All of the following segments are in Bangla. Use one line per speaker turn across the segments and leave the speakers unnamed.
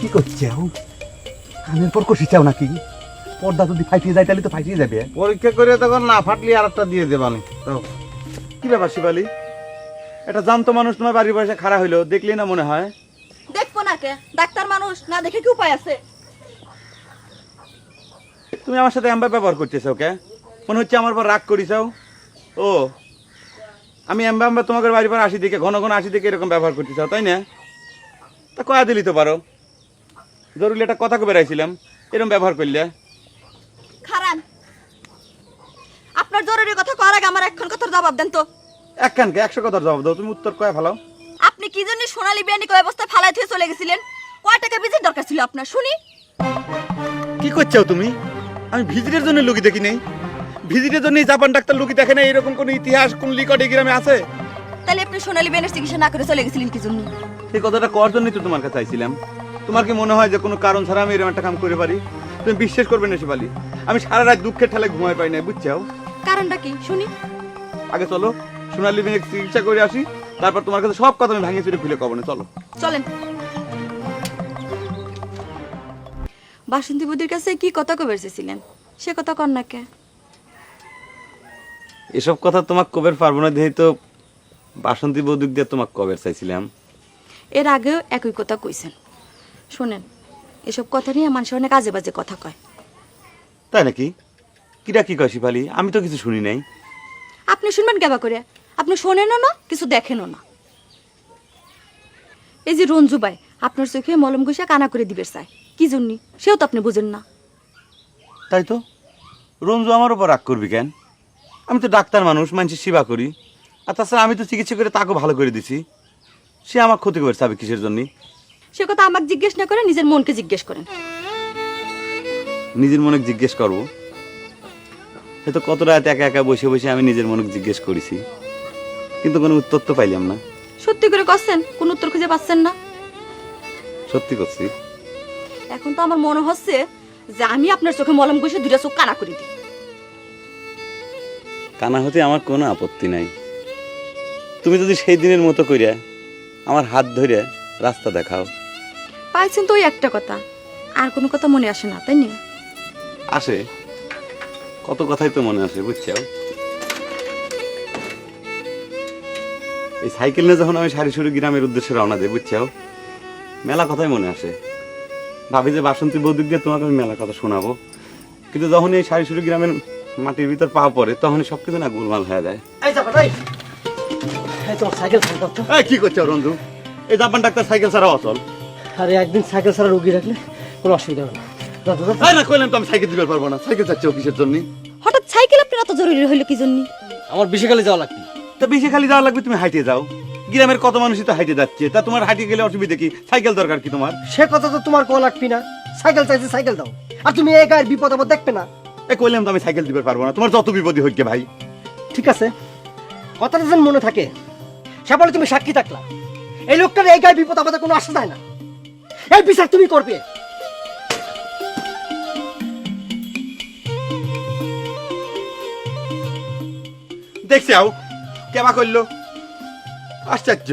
কি করছাও? কানের পর কষি চাও নাকি? পর্দা যদি ফাইটিয়ে যায় তাহলে তো ফাইটিয়ে যাবে।
পরীক্ষা করে তখন না ফাটলি আর একটা দিয়ে দেবানি।
কি ব্যাপার শিবালি? এটা জানতো মানুষ তোমার বাড়ির পাশে খাড়া হইলো, দেখলি না মনে হয়?
দেখবো না কে? ডাক্তার মানুষ, না দেখে কি উপায় আছে?
তুমি আমার সাথে এমবা ব্যবহার করতেছো ওকে? মনে হচ্ছে আমার পর রাগ করিছাও। ও আমি এমবা এমবা তোমাদের বাড়ির পর আসি দেখে ঘন ঘন আসি দেখে এরকম ব্যবহার করতে চাও, তাই না? তা কয়া দিলি তো পারো, জরুরি একটা কথা কবে রাইছিলাম, এরকম ব্যবহার করলে।
খারান, আপনার জরুরি কথা করার আগে আমার এখন কথার জবাব দেন তো।
এক কানকে 100 কথার জবাব দাও, তুমি উত্তর কয়া ফেলাও।
আপনি কি জন্য সোনালী বিয়ানি কয় অবস্থায় ফালাই থেকে চলে গেছিলেন? কয় টাকা বিজির দরকার ছিল আপনার শুনি?
কি করছাও তুমি? আমি ভিজিটের জন্য লুকি দেখি নেই, ভিজিটের জন্য জাপান ডাক্তার লুকি দেখে না, এরকম কোন ইতিহাস কোন লিকটে গ্রামে আছে?
তাহলে আপনি সোনালী বিয়ানের চিকিৎসা না করে চলে গেছিলেন কি জন্য?
সেই কথাটা করার জন্যই তো তোমার কাছে চাইছিলাম। তোমার কি মনে হয় যে কোনো কারণ ছাড়া আমি এরকম একটা কাম করে পারি? তুমি বিশ্বাস করবে না শিবালি, আমি সারা রাত দুঃখের ঠেলায় ঘুমাই পাই না, বুঝছাও?
কারণটা কি শুনি?
আগে চলো সোনালী বিয়ানের চিকিৎসা করে আসি, তারপর তোমার কাছে সব কথা আমি ভাঙিয়ে চুরে খুলে কব না, চলো।
চলেন। বাসন্তী বুদির কাছে কি কথা কবে এসেছিলেন, সে কথা কর না কে?
এসব কথা তোমাকে কবের পারবো না, যেহেতু তো বাসন্তী বৌদিক দিয়ে তোমাকে কবের চাইছিলাম।
এর আগেও একই কথা কইছেন। শোনেন, এসব কথা নিয়ে মানুষ অনেক আজে বাজে কথা কয়।
তাই নাকি? কিরা কি কয় শিবালি? আমি তো কিছু শুনি নাই।
আপনি শুনবেন কেবা করে? আপনি শোনেনও না, কিছু দেখেনও না। এই যে রঞ্জু ভাই আপনার চোখে মলম ঘষে কানা করে দিবে চায়, কি জন্য সেও তো আপনি বুঝেন না।
তাই তো, রঞ্জু আমার উপর রাগ করবি কেন? আমি তো ডাক্তার মানুষ, মানুষের সেবা করি। আর তাছাড়া আমি তো চিকিৎসা করে তাকেও ভালো করে দিছি, সে আমার ক্ষতি করে চাবে কিসের জন্য?
সে কথা আমাকে জিজ্ঞেস না করে নিজের মনকে জিজ্ঞেস করেন।
নিজের মনে জিজ্ঞেস করবো? সে তো কত রাত একা একা বসে বসে আমি নিজের মনে জিজ্ঞেস করেছি, কিন্তু কোনো উত্তর তো পাইলাম না।
সত্যি করে কচ্ছেন, কোন উত্তর খুঁজে পাচ্ছেন না?
সত্যি করছি।
এখন তো আমার মনে হচ্ছে যে আমি আপনার চোখে মলম ঘষে দুটা চোখ কানা করে দিই।
কানা হতে আমার কোনো আপত্তি নাই। তুমি যদি সেই দিনের মতো করিয়া আমার হাত ধরে রাস্তা দেখাও।
পাইছেন তো ওই একটা কথা, আর কোনো কথা মনে আসে না, তাই না?
আসে, কত কথাই তো মনে আসে, বুঝছো? এই সাইকেল নিয়ে যখন আমি সারিসুরি গ্রামের উদ্দেশ্যে রওনা দিই, বুঝছো, মেলা কথাই মনে আসে। ভাবি যে বাসন্তী বৌদিক দিয়ে তোমাকে আমি মেলা কথা শোনাবো, কিন্তু যখন এই সারিসুরি গ্রামের মাটির ভিতর পা পড়ে তখনই সবকিছু না গোলমাল হয়ে যায়।
তোমার সাইকেল ছাড়া তো।
কি করছো রঞ্জু? এই জাপান ডাক্তার সাইকেল ছাড়া অচল।
আরে একদিন সাইকেল ছাড়া রুগী রাখলে কোনো অসুবিধা হবে না।
না কইলাম তো আমি সাইকেল দিতে পারবো না। সাইকেল চাচ্ছি কিসের জন্য?
হঠাৎ সাইকেল আপনার এত জরুরি হইলো কি জন্য?
আমার বিশেষকালে যাওয়া লাগবে।
তা বেশি খালি যাওয়া লাগবে, তুমি হাইটে যাও। গ্রামের কত মানুষই তো হাইটে যাচ্ছে, তা তোমার হাইটে গেলে অসুবিধা কি? সাইকেল দরকার কি তোমার?
সে কথা তো তোমার কোয়া লাগবি না। সাইকেল চাইছে সাইকেল দাও, আর তুমি এই গায়ের বিপদ আপদ দেখবে না।
কইলাম তো আমি সাইকেল দিতে পারবো না, তোমার যত বিপদই হইক গে ভাই।
ঠিক আছে, কথাটা যেন মনে থাকে। সে বলে তুমি সাক্ষী থাকলা, এই লোকটার এই গায়ের বিপদ আপদে কোনো আসা যায় না। এই বিচার তুমি করবে।
দেখছি আও কেবা করলো, আশ্চর্য।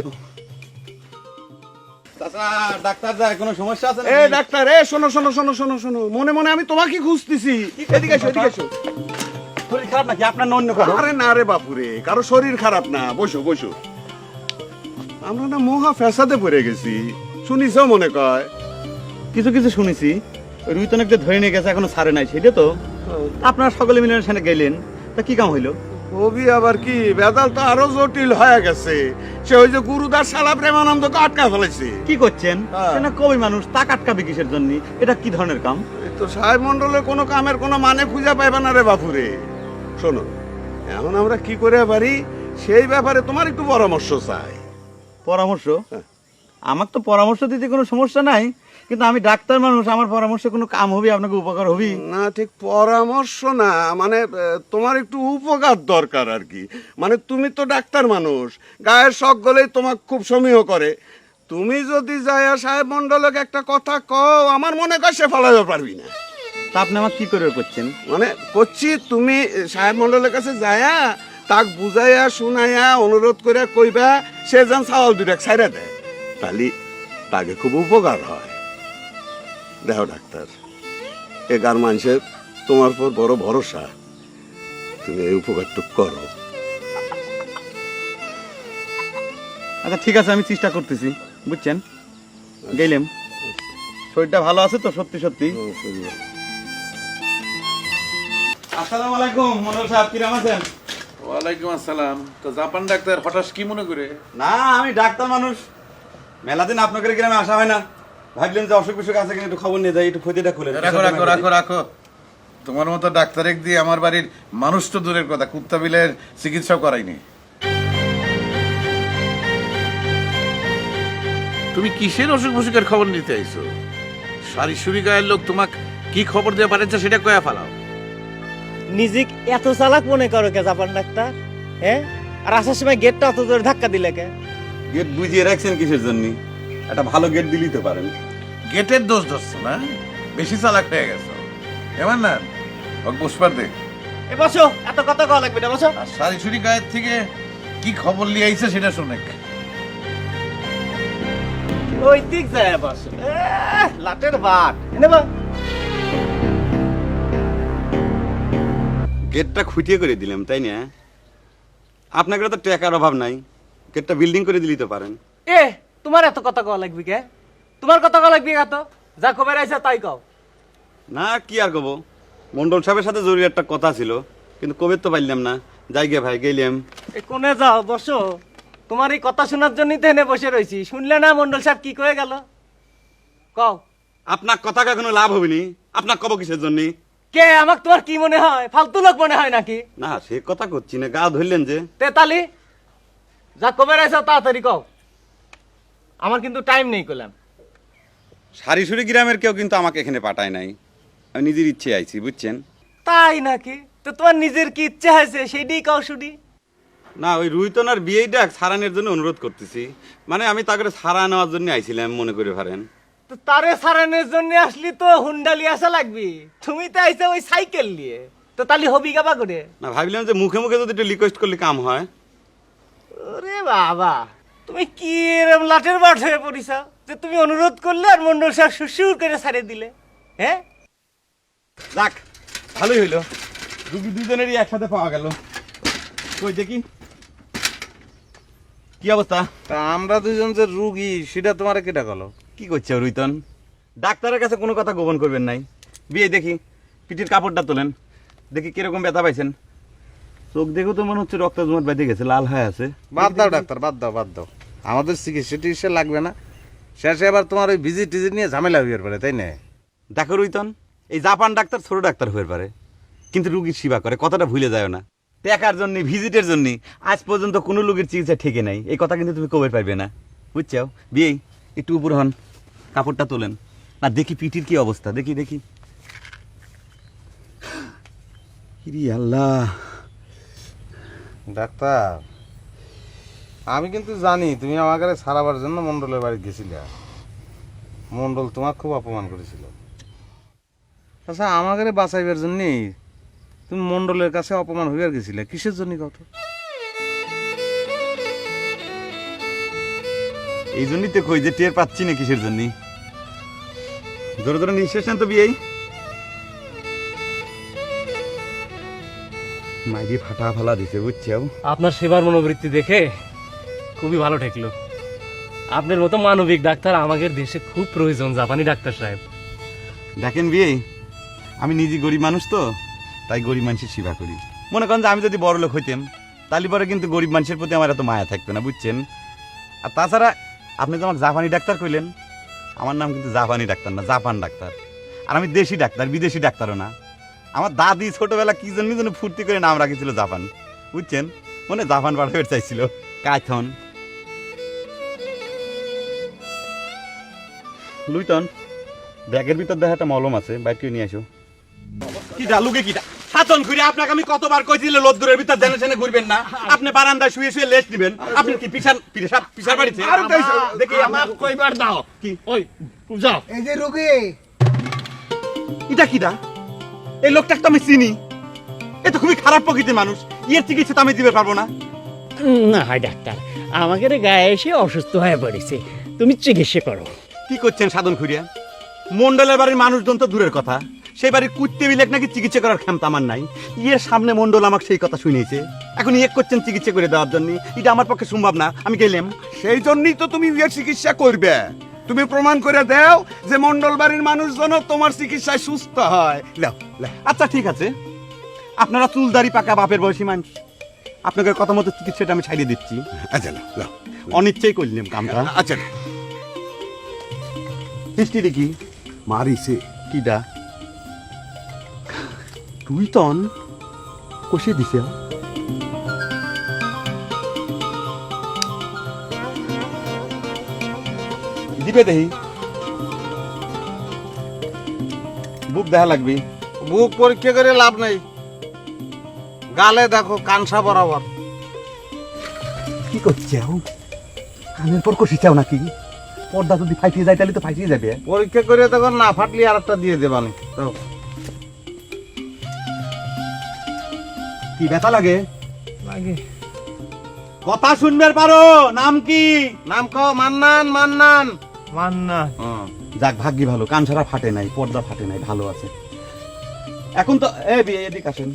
ডাক্তার যায় কোনো সমস্যা আছে?
এ ডাক্তার, এ শোনো শোনো শোনো শোনো শোনো, মনে মনে আমি তোমাকে খুঁজতেছি। এদিকে এসো, এদিকে এসো।
শরীর খারাপ নাকি আপনার না অন্য কারো?
আরে না রে বাপুরে, কারো শরীর খারাপ না, বসো বসো। আমরা না মহা ফ্যাসাদে পড়ে গেছি, শুনিছো মনে কয়?
কিছু কিছু শুনেছি, রুইতনকে ধরে নিয়ে গেছে, এখনো ছাড়ে নাই, সেটা তো। আপনারা সকলে মিলে সেখানে গেলেন, তা কি কাম হইলো?
কবি আবার কি বেদাল তো আরো জটিল হয়ে গেছে। সে ওই যে গুরুদাস শালা প্রেমানন্দকে আটকা ফেলেছে।
কি করছেন?
হ্যাঁ।
সে না কবি মানুষ, তা কাটকাবে কিসের জন্য? এটা কি ধরনের কাম?
এই তো সাহেব মন্ডলের কোনো কামের কোনো মানে খুঁজে পাইবে না রে বাপুরে। শোনো, এখন আমরা কি করে পারি সেই ব্যাপারে তোমার একটু পরামর্শ চাই।
পরামর্শ?
হ্যাঁ।
আমার তো পরামর্শ দিতে কোনো সমস্যা নাই, কিন্তু আমি ডাক্তার মানুষ, আমার পরামর্শ কোনো কাম হবে, আপনাকে উপকার হবে?
না, ঠিক পরামর্শ না, মানে তোমার একটু উপকার দরকার আর কি। মানে তুমি তো ডাক্তার মানুষ, গায়ের শখ গলেই তোমাকে খুব সমীহ করে। তুমি যদি যায়া সাহেব মন্ডলকে একটা কথা কও, আমার মনে কর সে ফলাইতে পারবি না।
তা আপনি আমার কি করে করছেন?
মানে করছি, তুমি সাহেব মন্ডলের কাছে যায়া তাক বুঝাইয়া শুনাইয়া অনুরোধ করে কইবা সে যেন চাওয়াল দুটা ছাইরা দেয়, তাহলে তাকে খুব উপকার হয়। দেখো ডাক্তার, এ গার মানুষের তোমার পর বড় ভরসা, তুমি এই উপকারটুক করো।
আচ্ছা ঠিক আছে, আমি চেষ্টা করতেছি, বুঝছেন। গেলাম, শরীরটা ভালো আছে তো সত্যি সত্যি? আসসালামু আলাইকুম মন্ডল সাহেব, কিরম আছেন?
ওয়ালাইকুম আসসালাম। তো জাপান ডাক্তার হঠাৎ কি মনে করে?
না, আমি ডাক্তার মানুষ, মেলা দিন আপনাদের গ্রামে আসা হয় না, ভাবলেন যে অসুখ বিসুখ আছে কিনা একটু খবর নিয়ে যাই, একটু ক্ষতিটা খুলে
রাখো রাখো রাখো রাখো, তোমার মতো ডাক্তার এক দিয়ে আমার বাড়ির মানুষ তো দূরের কথা, কুত্তা বিলের চিকিৎসাও করাইনি। তুমি কিসের অসুখ বিসুখের খবর নিতে আইছো? সারিসুরি গায়ের লোক তোমাক কি খবর দেওয়া পারেছে সেটা কয়া ফেলাও।
নিজে এত চালাক মনে করো কে জাপান ডাক্তার? হ্যাঁ, আর আসার সময় গেটটা অত জোরে ধাক্কা দিলে কে?
গেট বুঝিয়ে রাখছেন কিসের জন্য? একটা ভালো গেট দিলেই তো পারেন।
গেটের দোষ ধরছো না, বেশি চালাক হয়ে গেছো। এমন না পুষ্পার দেখ,
এ বসো, এত কথা কওয়া লাগবে না, বসো।
আর সারিসুরি গায়ের থেকে কি খবর নিয়ে আইছে সেটা শুনে।
ওই দিক যায় বসো। লাটের বাট এনে বা।
গেটটা খুঁটিয়ে করে দিলাম, তাই না? আপনাকে তো টাকার অভাব নাই, গেটটা বিল্ডিং করে দিলেই তো পারেন।
এ তোমার এত কথা কওয়া লাগবে কে? তোমার কথা কওয়া লাগবে এত? যা খবর আইছে তাই কও।
না কি আর কব, মন্ডল সাহেবের সাথে জরুরি একটা কথা ছিল, কিন্তু কবে তো পারলাম না। যাই গে ভাই, গেলাম।
এ কোনে যাও, বসো। তোমার এই কথা শোনার জন্যই তো এনে বসে রয়েছি। শুনলে না মন্ডল সাহেব কি কয়ে গেল? কও।
আপনার কথা কোনো লাভ হবেনি, আপনার কব কিসের জন্য?
কে আমাক তোমার কি মনে হয়? ফালতু লোক মনে হয় নাকি?
না সে কথা করছি না, গা ধরলেন যে।
তেতালি, যা খবর আইছে তাড়াতাড়ি কও, আমার কিন্তু টাইম নেই কইলাম।
সারিসুরি গ্রামের কেউ কিন্তু আমাকে এখানে পাঠায় নাই, আমি নিজের ইচ্ছে আইছি, বুঝছেন।
তাই নাকি? তো তোমার নিজের কি ইচ্ছে হয়েছে সেইটাই কও শুনি।
না, ওই রুহিতনার বিয়েটা সারানোর জন্য অনুরোধ করতেছি, মানে আমি তাকে সারা নেওয়ার জন্য আইছিলাম, মনে করে পারেন।
তো তারে সারানোর জন্য আসলি তো হুন্ডালি আসা লাগবে, তুমি তো আইছো ওই সাইকেল নিয়ে, তো তালি হবি গাবা করে।
না ভাবলাম যে মুখে মুখে যদি একটু রিকোয়েস্ট করলে কাম হয়।
ওরে বাবা, তুমি কি এরম লাটের বাট হয়ে পড়িস যে তুমি অনুরোধ করলে আর মন্ডল সাহেব সুসুর করে ছাড়ে দিলে? হ্যাঁ,
যাক ভালোই হইলো, রুগী দুজনেরই একসাথে পাওয়া গেল। কই দেখি কি অবস্থা?
তা আমরা দুজন যে রুগী সেটা তোমার কেটা গেল?
কি করছে রুইতন? ডাক্তারের কাছে কোনো কথা গোপন করবেন নাই। বিয়ে দেখি, পিঠির কাপড়টা তোলেন, দেখি কিরকম ব্যথা পাইছেন। চোখ দেখেও তো মনে হচ্ছে রক্ত জমাট বেঁধে গেছে, লাল হয়ে আছে।
বাদ দাও ডাক্তার, বাদ দাও বাদ দাও, আমাদের চিকিৎসা টিকিৎসা লাগবে না। শেষে আবার তোমার ওই ভিজিট টিজিট নিয়ে ঝামেলা হয়ে পারে, তাই না?
দেখো রুইতন, এই জাপান ডাক্তার ছোট ডাক্তার হয়ে পারে, কিন্তু রুগীর সেবা করে, কথাটা ভুলে যায় না। টাকার জন্য, ভিজিটের জন্য আজ পর্যন্ত কোনো রোগীর চিকিৎসা ঠেকে নাই, এই কথা কিন্তু তুমি কবে পাইবে না, বুঝছো? বিয়ে একটু উপর হন, কাপড়টা তোলেন না, দেখি পিঠির কি অবস্থা, দেখি দেখি। ইরি আল্লাহ!
ডাক্তার, আমি কিন্তু জানি তুমি আমাকে সারাবার জন্য মন্ডলের বাড়ি গেছিলে। মন্ডল তোমার খুব অপমান করেছিল। আচ্ছা, আমাকে বাঁচাইবার জন্যই তুমি মন্ডলের কাছে অপমান হইয়ার গেছিলে, কিসের জন্য কত?
এই জন্যই তো কই যে টের পাচ্ছি না কিসের জন্য। জোরে জোরে নিঃশ্বাস নেন তো বিয়ে। মাইরি ফাটা ফালা দিছে, বুঝছো?
আপনার সেবার মনোবৃত্তি দেখে খুবই ভালো ঠেকলো। আপনার মতো মানবিক ডাক্তার আমাদের দেশে খুব প্রয়োজন, জাপানি ডাক্তার সাহেব।
দেখেন বিয়ে, আমি নিজে গরিব মানুষ তো, তাই গরিব মানুষের সেবা করি। মনে করেন যে আমি যদি বড় লোক হইতাম, তাহলে পরে কিন্তু গরিব মানুষের প্রতি আমার এত মায়া থাকতো না, বুঝছেন? আর তাছাড়া আপনি তো আমাকে জাপানি ডাক্তার কইলেন, আমার নাম কিন্তু জাপানি ডাক্তার না, জাপান ডাক্তার। আর আমি দেশি ডাক্তার, বিদেশি ডাক্তারও না। আমার দাদি ছোটবেলা কি জন্য যেন ফুর্তি করে নাম রাখেছিল জাপান, বুঝছেন? মনে জাপান পাঠাতে চাইছিল। কাইথন লুইতন, ব্যাগের ভিতর দেখা একটা মলম আছে, বাইর করে নিয়ে আসো। কিটা লুকে কিটা সাতন ঘুরে আপনাকে আমি কতবার কইছিল লোদ্দুরের ভিতর জেনে জেনে ঘুরবেন না। আপনি বারান্দায় শুয়ে শুয়ে লেস্ট নেবেন। আপনি কি পিছার বাড়িতে? দেখি আমার কইবার দাও কি ওই যাও।
এই যে রোগী,
এটা কিটা? এই লোকটাকে তো আমি চিনি, এ তো খুবই খারাপ প্রকৃতির মানুষ, এর চিকিৎসা তো আমি দিতে পারবো না।
না হয় ডাক্তার, আমাদের গায়ে এসে অসুস্থ হয়ে পড়েছে, তুমি চিকিৎসা করো।
কি করছেন সাধন খুঁড়িয়া? মন্ডলের বাড়ির মানুষজন তো দূরের কথা, সেই বাড়ির কুত্তে বিলেক নাকি চিকিৎসা করার ক্ষমতা আমার নাই। ইয়ের সামনে মন্ডল আমাকে সেই কথা শুনিয়েছে, এখন ইয়ে করছেন চিকিৎসা করে দেওয়ার জন্য। এটা আমার পক্ষে সম্ভব না, আমি গেলাম।
সেই জন্যই তো তুমি বিয়ের চিকিৎসা করবে। তুমি প্রমাণ করে দাও যে মন্ডল বাড়ির মানুষজন তোমার চিকিৎসায় সুস্থ হয়। লাও, লাও।
আচ্ছা ঠিক আছে, আপনারা চুলদারি পাকা বাপের বয়সী মানুষ, আপনাদের কথা মতো চিকিৎসাটা আমি ছাড়িয়ে দিচ্ছি।
আচ্ছা লাও, লাও।
অনিচ্ছেই করলাম কামটা।
আচ্ছা
হিস্ট্রি দেখি
মারিছে।
কিডা তুই তন কষিয়ে দিছে। দিবে দেখি, বুক দেখা লাগবি।
বুক পরীক্ষা করে লাভ নাই, গালে দেখো কানসা বরাবর।
কি করছাও? কানের পর কষি চাও নাকি? পর্দা যদি ফাইটিয়ে যায় তাহলে তো ফাইটিয়ে যাবে।
পরীক্ষা করে তখন না ফাটলি আর একটা দিয়ে দেবানি। তো
কি ব্যথা লাগে?
লাগে।
কথা শুনবে পারো? নাম কি?
নাম কও। মান্নান। মান্নান।
মান্না।
যাক ভাগ্যি ভালো, কান ছাড়া ফাটে নাই, পর্দা ফাটে নাই, ভালো আছে এখন তো। এদিক আসেন,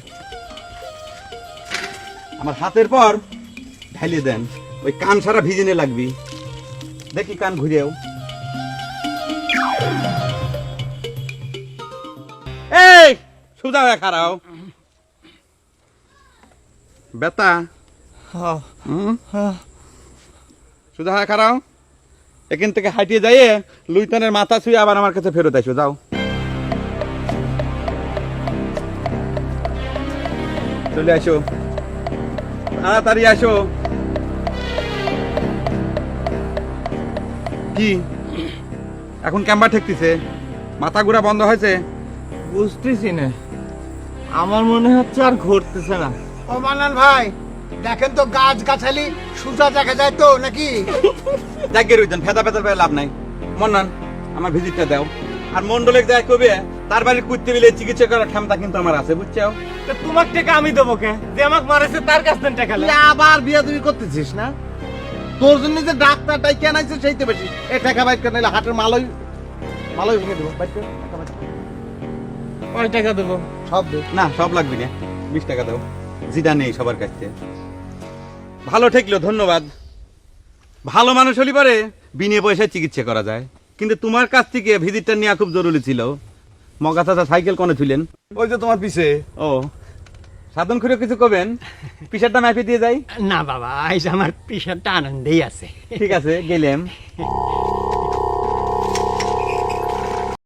আমার হাতের পর ঢালিয়ে দেন, ওই কান ছাড়া ভিজেনে লাগবি। দেখি কান ঘুরেও। এই সুদা হয়ে খারাও বেতা, সুদা হয়ে খারাও। এখান থেকে হাঁটিয়ে যাইয়ে লুইতনের মাথা ছুঁয়ে আবার আমার কাছে ফেরত আসো, যাও। চলে আসো, তাড়াতাড়ি আসো। কি এখন ক্যাম্বা ঠেকতেছে? মাথা ঘুরা বন্ধ হয়েছে?
বুঝতেছি না, আমার মনে হচ্ছে আর ঘুরতেছে না।
ও মান্নান ভাই, দেখেন তো গাছ গাছালি সুজা দেখা যায় তো নাকি?
জাগিয়ে রইতেন, ফেদা ফেদার পেয়ে লাভ নাই। মন্নান আমার ভিজিটটা দাও, আর মন্ডলের যায় কবে তার বাড়ির কুত্তে বিলে চিকিৎসা করার ক্ষমতা কিন্তু আমার আছে, বুঝছো?
তো তোমার টাকা আমি দেবো কে? যে আমাকে মারেছে তার কাছ থেকে টাকা
তুই আবার বিয়া তুমি করতেছিস না? তোর জন্য যে ডাক্তারটাই কেন আইছে সেইতে বেশি। এ টাকা বাইর করে নিলে হাটের মালই ভেঙে দেবো। বাইর কর, টাকা বাইর কর।
কয় টাকা দেবো?
সব দে।
না সব লাগবে না, 20 টাকা দাও, যেটা নেই সবার কাছে। ভালো ঠেকলো, ধন্যবাদ। ভালো মানুষ হলি পারে বিনে পয়সায় চিকিৎসা করা যায়, কিন্তু তোমার কাছ থেকে ভিজিটটা নেওয়া খুব জরুরি ছিল। মগা চাচা সাইকেল কোনে ছিলেন?
ওই যে তোমার পিছে।
ও সাধন করে কিছু কবেন, পিসারটা মাইপে দিয়ে যাই।
না বাবা, আজ আমার পিসারটা আনন্দেই আছে।
ঠিক আছে, গেলাম।